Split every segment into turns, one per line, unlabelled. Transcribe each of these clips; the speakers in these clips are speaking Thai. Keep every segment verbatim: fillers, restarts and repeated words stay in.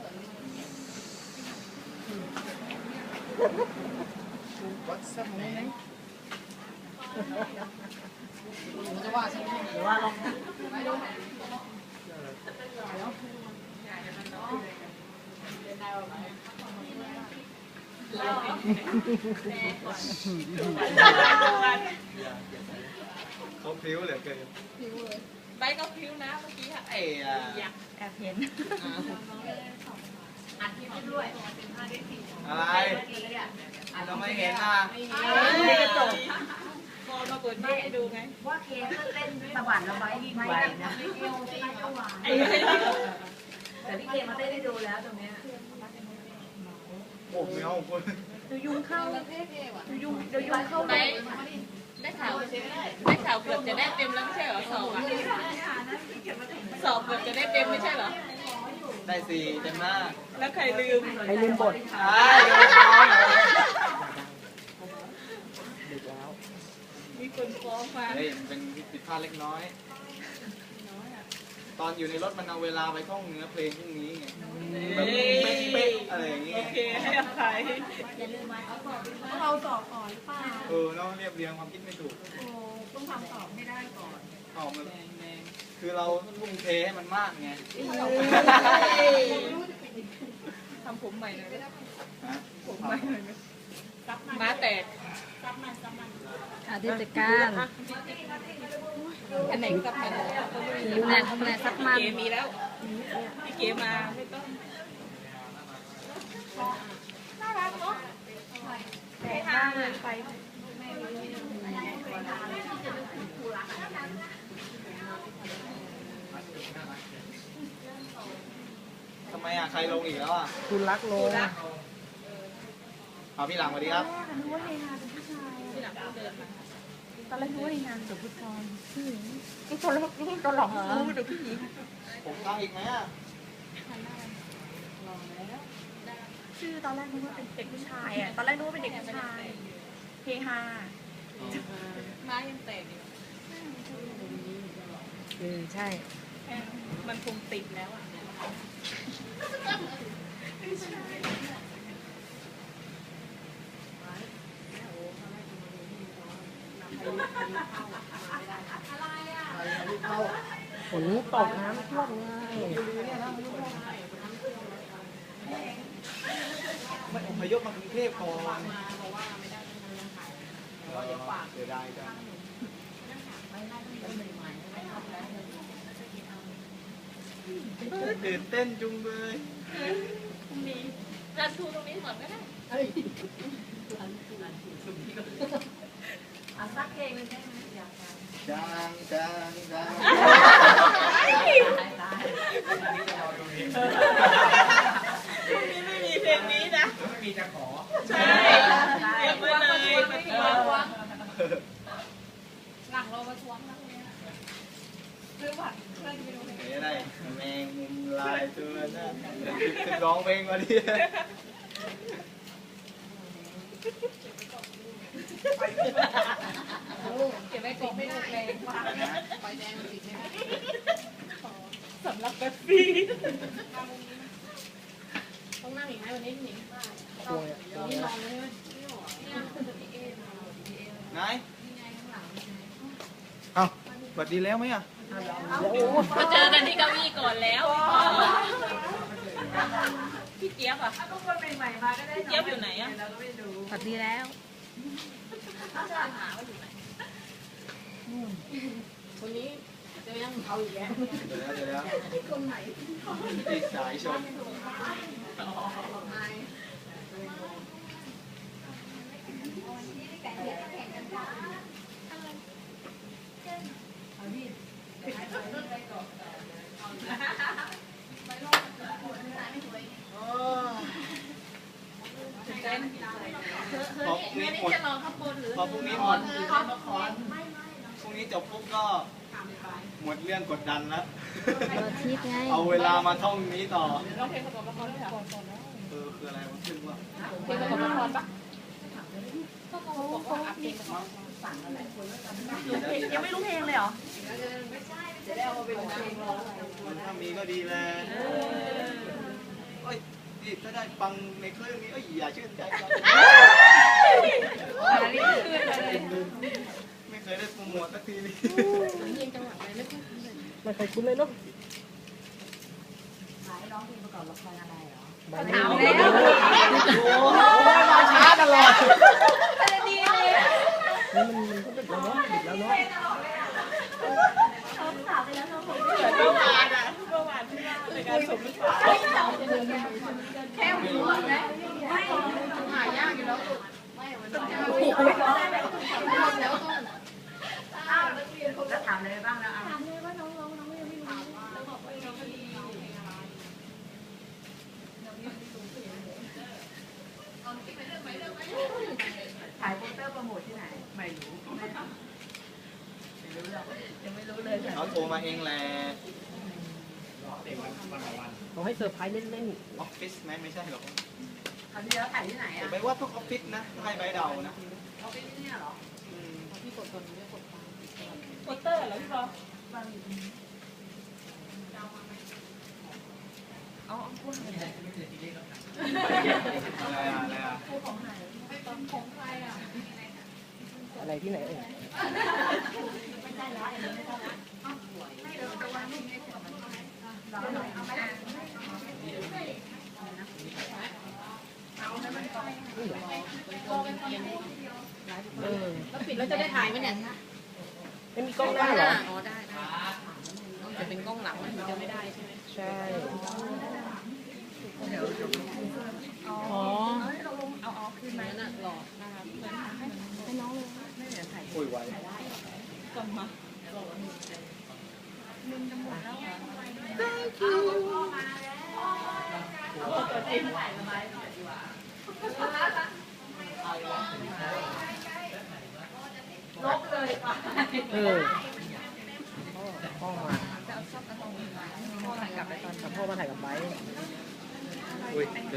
วัดสักไหนจะว่าใช่ไหมหรือว่าลองไม่ดู
เขาพริ้วเหลือเกิน
ใบก็พริ้วนะเมื่อกี้ค่ะ
ไอ้
แอบเห็น
อัดคลิปด้วย
อะไรเราไม่เห็นอ่ะ
ไม่กระจกพอมาเปิดให้ดูไง
ว่าเคก็เต้นตะบันระบายไม่ได้นะไม่เอวไม่เอวหวานแต่พี่เคมาเต้นได้ดูแล้วตรงเนี้ย
โอ้ไม่เอาคน
ดูยุงเข้าดูยุงดูยุงเข้าไหมได้ข่าวได้ข่าวเกือบจะได้เต็มแล้วไม่ใช่เหรอสอบอ่ะสอบเกือบจะได้เต็มไม่ใช่เหรอ
ได้สี่เต็มหน้า
แล้วใครลืม
ใครลืมบท
ใช่ลืมฟ้อง
ดึกแล้ว
มีคนฟ้องมา
เฮ้ยมันเป็นผิดพลาดเล็กน้อยตอนอยู่ในรถมันเอาเวลาไปท่องเนื้อเพลงพวกนี้ไงแบบเป๊ะๆอะไรอย่างเงี้ย
โอเคให้อภัย
อย่าลืมมาเอาสอบเราสอบก่อนหรือเปล่า
เออเราเรียบเรียงความคิดไม่ถูก
โอ้ต้องทำสอบให้ได้ก่อน
ออกมาคือเราทุ่มเทให้มันมากไง
ทำผมใหม่เลยผมใหม่เลยม้าแตก
อาทิตย์การ
อันไหนซับมัน
ดูแลทำแลซับมัน
เกมีแล้วพี่เกมาไม่ต้องน่ารักเนาะแต่ห้างไป
ทำไมอ่ะใครลงอีกแล้วอ่ะ
คุณรักโล
เอาพี่หลังสวัสดีครับ
นึกว่าเฮฮาเป็นผู้ชาย
พี่หลังเดินมา
ตอนแรกนึกว่าเฮฮาเป็นผู้ชาย
นี่ตอนแรกนี่ตอนหลังรู้เดี๋ยวพี่หญิง
ผมตั้งอีกไหมอ่ะ
ชื่อตอนแรกนึกว่าเป็นเด็กผู้ชายอ่ะตอนแรกนึกว่าเป็นเด็กผู้ชายเฮฮา
ม้ายังแตกอยู่
เออใช่
มันคงติดแล้วอ่ะ
ฝนตกน้ำท่วมไง
ไม่อพยพมากรุงเทพก่อนเดี๋ยวได้จ้ะตื่นเต้นจุงเลย
ตรงนี้รันทูตรงนี้ก่อนก็ได้
อ่ะสักเพลงเลยได้ไหมอยาก
จางจางจาง
ตรงนี้ไม่มีเพลงนี้นะ
ไม่มีจะขอ
ใช่เรียกมาเลยมาทวงหลังเรามาทวงนะตรงนี้ซื้อบัตรเพื่อนไปดูเพลง
อะไรแมงมุมลายตัวนั้นคือร้องเพลงมาดิ
เก็บไว้ก่อนไม่ได้เลยไฟแดงติดใช่ไหมสำหรับแบบฟีต้องนั่งอีกไหมวันนี้พี่หนิงต้องนี่ลองเลย
ไหนเอ้าบัดดีแล้วไหมอ่ะ
มาเจอกันที่เก้าอี้ก่อนแล้วพี่เจี๊ยบอ่ะ
ทุกคนใหม่ๆมาก็ได้
พี่เจี๊ยบอยู่ไหนอ่ะ
สวัสดีแล้ว
หาว่าอยู่ไหน
คนนี้จะยังเอาอีกแล้ว
เดี๋ยวแล้วเดี๋ยวแล้ว
คนไหน
ติดสายชนพอพรุ่งนี้หมดพอพรุ่งนี้หมดพรุ่งนี้จบปุ๊บก็หมดเรื่องกดดันแล้วเอาเวลามาท่องนี้ต่อ
ร้องเพลงประกอบละครด้วยก่อนก่อนแล้ว
เออคืออะไรวะขึ้นว่า
เพลงประกอบละครปะก็เขาบอกว่าอัพเพลงมาสั่งอะไร
ยังไม่รู้เพลงเลยเหรอ
ไม่ใช่จะได้เอามาเป็นเพลงร้อง
ถ้ามีก็ดีแหละเอ้ยที่ถ้าได้ฟังในคลื่นนี้เอ้ยอย่าชื่นใจจังไม่เคยได้โปรโมทสักทีนี่
ไม่เคยคุ้นเลยเนาะ
หายร้องเพลงประกอบละครอะไรเหรอ
มา
ถาม
แล้
แล้ว
ว
มาช้าตลอด
ดีเลย
มันมันก็ดึกแล้วเนาะดึกแล้วเนาะ
เขาถามไปแล้วเขาบอก
เหมือนเมื่อวานอ่ะเมื่อวานที่ว่าในการสมรส
แค่หัวนะไม่
หายากอยู่แล้ว
อ้าวแล้วถามอะไรบ้างแล้วถามเลยว่าน้องน้องน้องยังไม่รู้ถ่ายโปสเตอร์โปรโมทที่ไหนไม่รู้ไม่รู้หรอกยังไม่รู้เลย
เขาโทรมาเองแหละ
เขาให้เซอร์ไพรส์เล่น
ออฟฟิศไหมไม่ใช่หรอก
คราวที่แล้วถ่ายที่ไหน
ผม
อ่ะ
ไปว่าทุกออฟฟิศนะให้ใบเดานะ
เขาไปที่เนี่ยเหรอ
อืม
พี่กดตัวนี้ไม่กดตาม
โปสเตอร์เหรอพี่บอล
เอาเอาพูดเลย
อะไรอะอะไรอะ
อะไรที่ไหนเอ่ย เออ
แล้วปิดแล้วจะได้ถ่ายไหมเนี่ย
ไม่มีกล้องหน้าเหรอ
อ๋อได้ได้ต้องจะเป็นกล้องหลังมันถึงจะไม่ได้ใช่ไหม
ใช่
อ๋อเอาเอาคืนมาน่ะหลอกนะครับให้น้องเลย
คุยไว้
กลับมา
ลบเลยป่ะ
เออพ่อพ่อมา
พ่อถ่ายกลับไปตอน
กับพ่อมาถ่ายกับไบร์ท
อุ้ยเกรง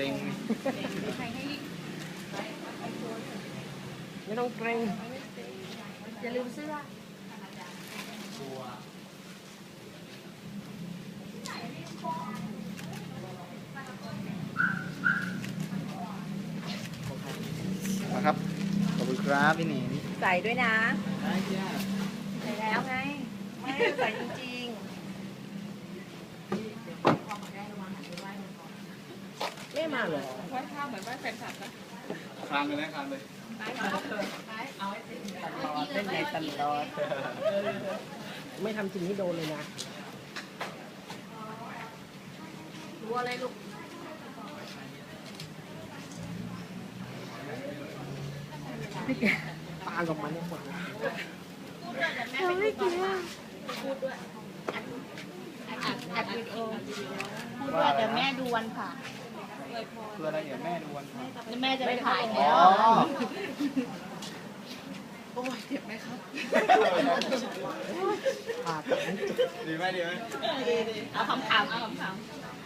ไม่ต้องเกรง
อย่าลืมเสื้อ
มาครับ ขอบคุณครับพี่หนิง
ใส่ด้วยนะ
ได้จ้า
ใส่แล้วไง ไม่ใส่จริง
ไม่มาเหรอ
ไหว้ข้าวเหมือนไหว้แฟนคลับนะ
คลานเลยนะคลานเลย
เล่นในตลอดไม่ทำจริงนี่โดนเลยนะ
ๆรู้อะไรลูก
ปากับมันเนี่ยหมดเลย
ไม่กินอ่ะพูดด้วยอัดอัดวิดีโอพูดด้วยแต่แม่ดูวันผ่า
เพื่ออะไรเดี๋ยวแม่ดูวันผ่าน
แล้วแม่จะไปถ่าย
อ๋
แล้
อ
วโอ้ยเจ็บไหมครับ
ปากับมันจุด
ดีไหมดีไหม
ดีดีเอาคำถามเอาคำถาม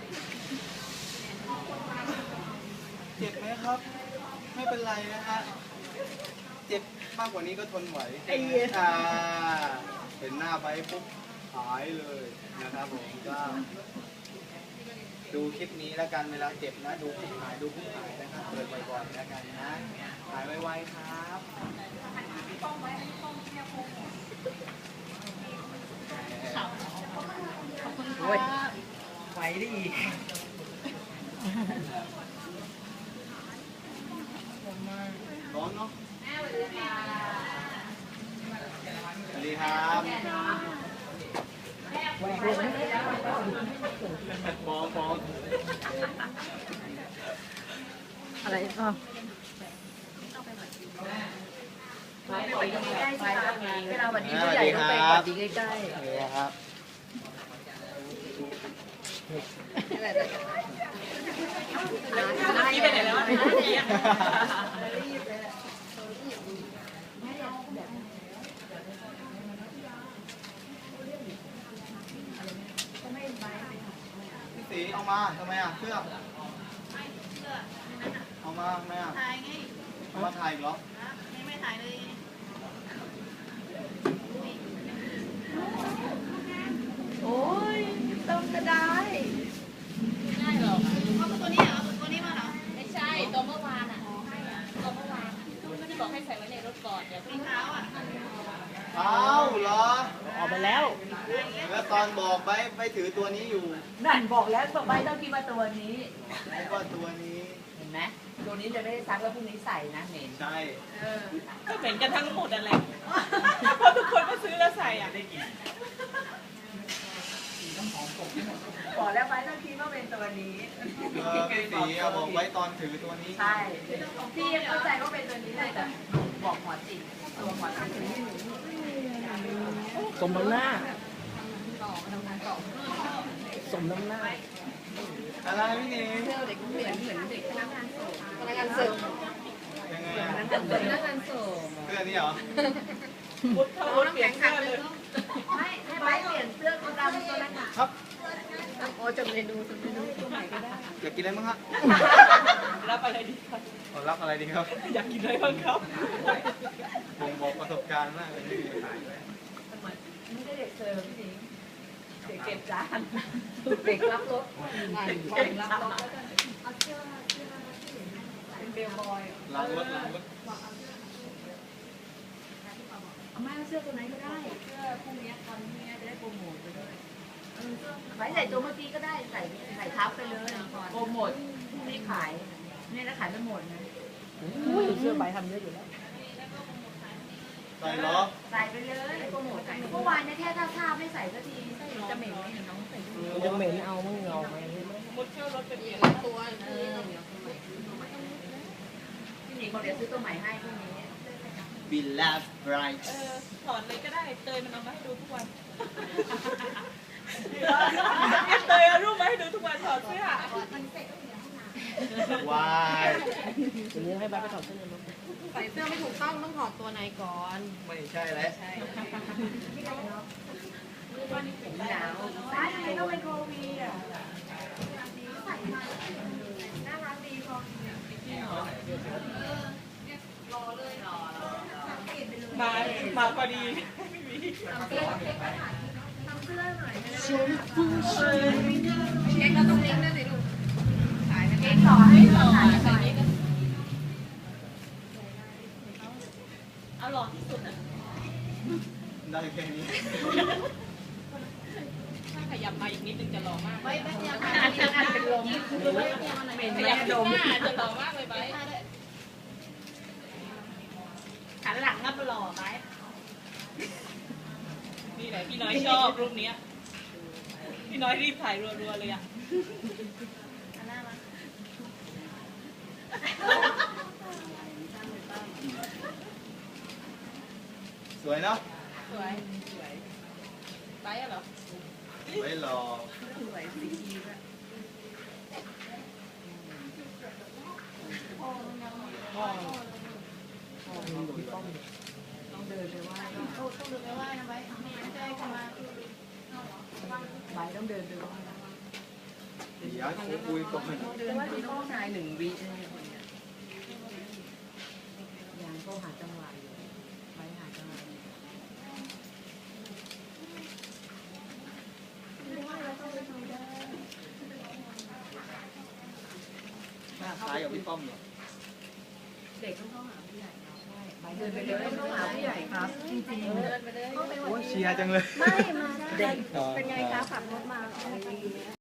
เจ็บไหมครับ ไม่เป็นไรนะฮะ เจ็บมากกว่านี้ก็ทนไหวอ่าเห็นหน้าไปปุ๊บหายเลยนะครับผมก็ดูคลิปนี้แล้วกันเวลาเจ็บนะ ดูผู้หายดูผู้หายนะครับเปิดบ่อยๆแล้วกันนะหายไวๆครับ
โอ้ยไฟได้อีก
ร้อนเนาะสวัสดีครับ
แหวกเลยไหม
ฟ้องฟ้อง
อะไรอ๋อ
ไปใกล้ๆสิคะเวลาวันนี้ผู้ใหญ่ต้องไปหวัดดีใกล้
สวัสดีครับ
นี่ไปไหนแล้วอ่ะ
พี่สีเอามาทำไมอ่ะเสื้อเอามาทำไมอ่ะ
ถ่ายไง
เอามาถ่ายอีกเหรอ
ไม่ไม่ถ่ายเลย
ๆ โอ้ยต้มก็ได้
ได้หรอเอาตัวนี้เอาตัวนี้
ถือตัวนี้อยู่
นั่นบอกแล้วต่อไปต้องคิดว่าตัวนี้
เพราะว่าตัวนี้
เห็นไหมตัวนี้จะไม่ได้ซักแล้วพรุ่งนี้ใส่นะเหม็น
ใช่
ก็เหมือนกันทั้งหมดอะไรเพราะทุกคนก็ซื้อแล้วใส่อ่ะ
บอกแล้วไปต้องคิดว่าเป็นตัวนี้
เออพี่สีอะบอกไว้ตอนถือตัวนี้
ใช่พี่เข้าใจว่าเป็นตัวนี้เลยแต่บอกหมอจิตตัวหมอจิตถือที่หนู
สมน้ำหน้า สมน้ำหน้า
อะไรพี่เนย
เด็กเหมือนเหมือนเด็กพนักงานส่งพนักงานเสิร์ฟ
ยังไงอะ
พนักงานส่ง
เสื้อนี้เหรอ
มุดเข้ามุดเปลี่ยนเสื้อเลย
ไม่ให้ไม้เปลี่ยนเสื้อตัวดำตัวนั้นอ่ะ
ครับ
โอ้จำเมนูจำเมนูตัวใหม่ก็ได้
อยากกินอะไรบ้างฮะ
รับอะไรดีครับ
เอารับอะไรดีครับ
อยากกินอะไรบ้างครับ
ผมบอกประสบการณ์มากเลยที่ขายไป
ไม่ได้เด็กเสิร์ฟพี่สิงเด็กเก็บจานเด็กรับรถเด็กรับรถเป็นเบลบอย
ล้างรถล้างรถ
เอาไม่เอาเสื้อตัวไหนก็ได้เสื้อพรุ่งนี้ตอนนี้จะได้โปรโมทไปด้วยไว้ใส่ตัวเมื่อกี้ก็ได้ใส่ใส่ทับไปเลยโปรโมทพรุ่งนี้ขายเนี่ยแล้วขายไม่หมดนะ
อุ้ยเสื้อใบทำเยอะอยู่แล้ว
ใส่ล้อ
ใส่ไปเลยโปรโมทเมื่อวานเนี่ยแค่ท่าท่าไม่ใส่สักทีจะเหม็นไหมเห็นน้องใส่
มันจะเหม็นเอามึงเอาไหม
มุดเข้ารถไปเปลี่ยนตัว
เออพี่หนิงบอกเดี๋ยวซื้อตัวใหม่ให้พรุ่งนี้
บิลลาฟไรท์
เออถอดเลยก็ได้เตยมันเอามาให้ดูทุกวันเตยเอารูปมาให้ดูทุกวันถอดเสื้อ
วาย
ทีนี้ให้ใบไปถอดเสื้อเลยมั้ง
ใส่เสื้อไม่ถูกต้องต้องถอดตัวในก่อน
ไม่ใช่แล้ว
ใช่
ผมหนาวใส่ทำไมต้องเป็นโควีอ่ะน่ารักดีพอ
มามาพอดี
เค้กเราต้องเลี้ยงด้วยสิลูกเค้กต่อให้ต่อหน่อย
เอาหล่อที่สุดอ่ะ
ได้แค่นี้
ถ้าขยับมาอีกนิดนึงจะหล่อมากไม่ไม่
อันนี้อันเป็นลมเหม็น
ข
แม่
ยับ
ด
ด
ม
มหน้าจะหล่อมากเลยไปหันหลังก็หล่อไปนี่แหละพี่น้อยชอบรูปนี้พี่น้อยรีบถ่ายรัวๆเลยอ่ะ
สวยเนาะ
สวยสวยไปอะเหรอ
ไว้รอ
ต้องเดินไปไหว้ต้องเดินไปไหว้นะไว้ไม่ได้กันมาไว้ต้องเดินไปไหว้
เดี๋ยวคุยคุยก่อน
เดินไปต้องชายหนึ่งวิยังก็หาจังหวะอยู่ไว้หาจังหวะ
หน้าคล้ายกับพี่ป้อมเหรอ
เด็กต้องเข้าหาผู้ใหญ่ใช่เดินไปเลยต้องเข้าหาผู้ใหญ่ครับ จริงๆ
เดินไปเลย
โอ้ยเชียร์จังเลย
ไม่มาได้
เป็นไงคะ
ขับรถมา